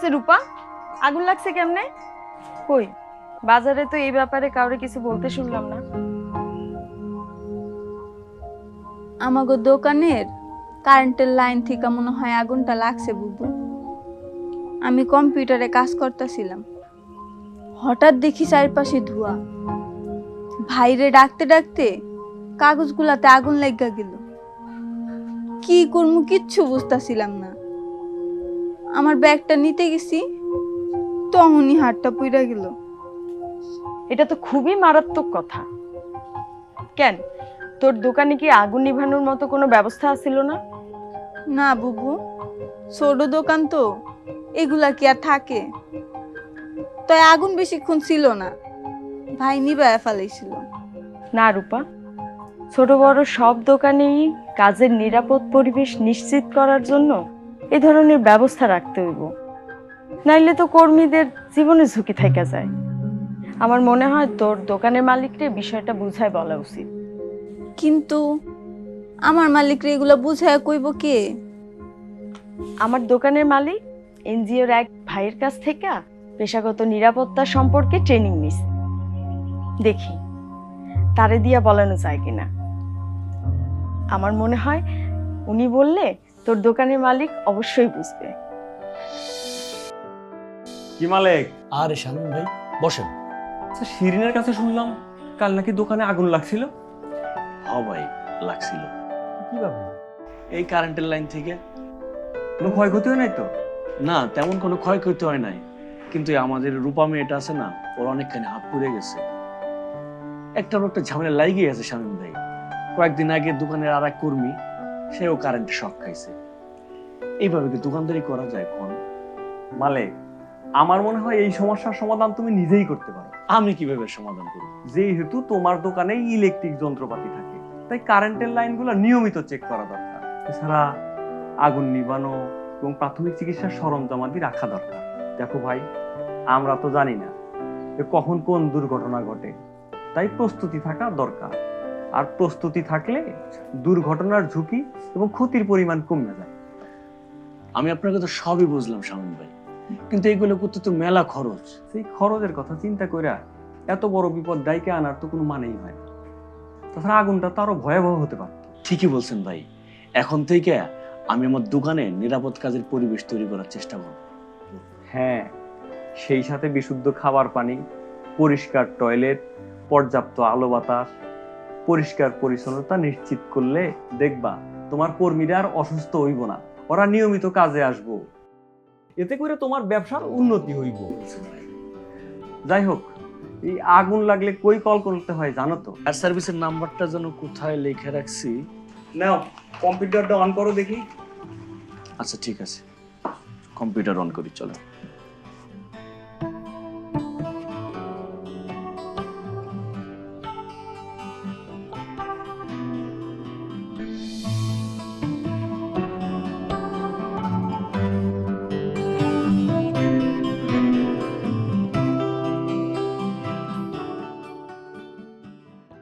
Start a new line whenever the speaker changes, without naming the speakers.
রূপা, আগুন লাগছে কেমনে? কই বাজারে তো এই ব্যাপারে কাউরে কিছু বলতে শুনলাম না।
আমাগো দোকানের কারেন্টের লাইন থেকে মনে হয় আগুনটা লাগছে বুবু। আমি কম্পিউটারে কাজ করতেছিলাম, হঠাৎ দেখি চারপাশে ধোঁয়া। ভাইরে ডাকতে ডাকতে কাগজগুলাতে আগুন লাগা গেল। কি করবো কিচ্ছু বুঝতেছিলাম না। আমার ব্যাগটা নিতে গেছি, তখনই হাতটা পুড়া গেল।
এটা তো খুবই মারাত্মক কথা। কেন, তোর দোকানে কি আগুন নিভানোর মতো কোনো ব্যবস্থা ছিল না?
না বুবু, ছোট দোকান তো, এগুলা কি আর থাকে? তাই আগুন বেশিক্ষণ ছিল না, ভাই নিবায়া ফেলাইছিল।
না রূপা, ছোট বড় সব দোকানেই কাজের নিরাপদ পরিবেশ নিশ্চিত করার জন্য এ ধরনের ব্যবস্থা রাখতে হইব, নাইলে তো কর্মীদের জীবনে ঝুঁকি থেকে যায়। আমার মনে হয় তোর দোকানের মালিককে বিষয়টা বুঝায় বলা উচিত।
কিন্তু আমার মালিকরে এগুলা বুঝায় কইব কে?
আমার দোকানের মালিক এনজিওর এক ভাইয়ের কাছ থেকে পেশাগত নিরাপত্তা সম্পর্কে ট্রেনিং নিছে, দেখি তারে দিয়া বলানো যায় কিনা। আমার মনে হয় উনি বললে তোর দোকানের মালিক অবশ্যই বুঝবে।
কি মালিক?
আরে শামিম ভাই, বসেন।
আচ্ছা, শিরিনের কাছে শুনলাম কাল নাকি দোকানে আগুন লাগছিল।
হ ভাই, লাগছিল।
কিভাবে?
এই কারেন্টের লাইন থেকে।
কোনো ক্ষয়ক্ষতি হয় নাই তো?
না, তেমন কোনো ক্ষয়ক্ষতি হয় নাই, কিন্তু এই আমাদের রূপা মেয়েটা আছে না, ওর অনেকখানি হাত পুড়ে গেছে। একটার একটা ঝামেলা লাগিয়ে গেছে শামিম ভাই। কয়েকদিন আগে দোকানের আর এক কর্মী, সেও কারেন্টে শক খাইছে। এইভাবে কি দোকানদারি করা যায় কোন?
মালিক, আমার মনে হয় এই সমস্যার সমাধান তুমি নিজেই করতে পারো।
আমি কিভাবে সমাধান করব?
যেহেতু তোমার দোকানে ইলেকট্রিক যন্ত্রপাতি থাকে, তাই কারেন্টের লাইনগুলো নিয়মিত চেক করা দরকার। এছাড়া আগুন নিভানো এবং প্রাথমিক চিকিৎসার সরঞ্জামাদি রাখা দরকার। দেখো ভাই, আমরা তো জানি না যে কখন কোন দুর্ঘটনা ঘটে, তাই প্রস্তুতি থাকা দরকার। আর প্রস্তুতি থাকলে দুর্ঘটনার ঝুঁকি এবং ক্ষতির পরিমাণ কমে যায়।
আমি আপনার কথা সবই বুঝলাম শামিম ভাই, কিন্তু এইগুলো করতে তো মেলা খরচ।
সেই খরচের কথা চিন্তা কইরা এত বড় বিপদ ডাইকে আনার তো কোনো মানেই হয় না। তাছাড়া আগুনটা তো আরো ভয়াবহ হতে পারত।
ঠিকই বলছেন ভাই, এখন থেকে আমি আমার দোকানে নিরাপদ কাজের পরিবেশ তৈরি করার চেষ্টা করব।
হ্যাঁ, সেই সাথে বিশুদ্ধ খাবার পানি, পরিষ্কার টয়লেট, পর্যাপ্ত আলো বাতাস, পরিষ্কার পরিচ্ছন্নতা নিশ্চিত করলে দেখবা তোমার কর্মীরা আর অসুস্থ হইব না, ওরা নিয়মিত কাজে আসবো। এতে করে তোমার ব্যবসার উন্নতি হইব। যাই হোক, এই আগুন লাগলে কই কল করতে হয় জানো তো?
আর সার্ভিসের নাম্বারটা যেন কোথায় লিখে রাখছি।
নাও, কম্পিউটারটা অন করো দেখি।
আচ্ছা ঠিক আছে, কম্পিউটার অন করি, চলো।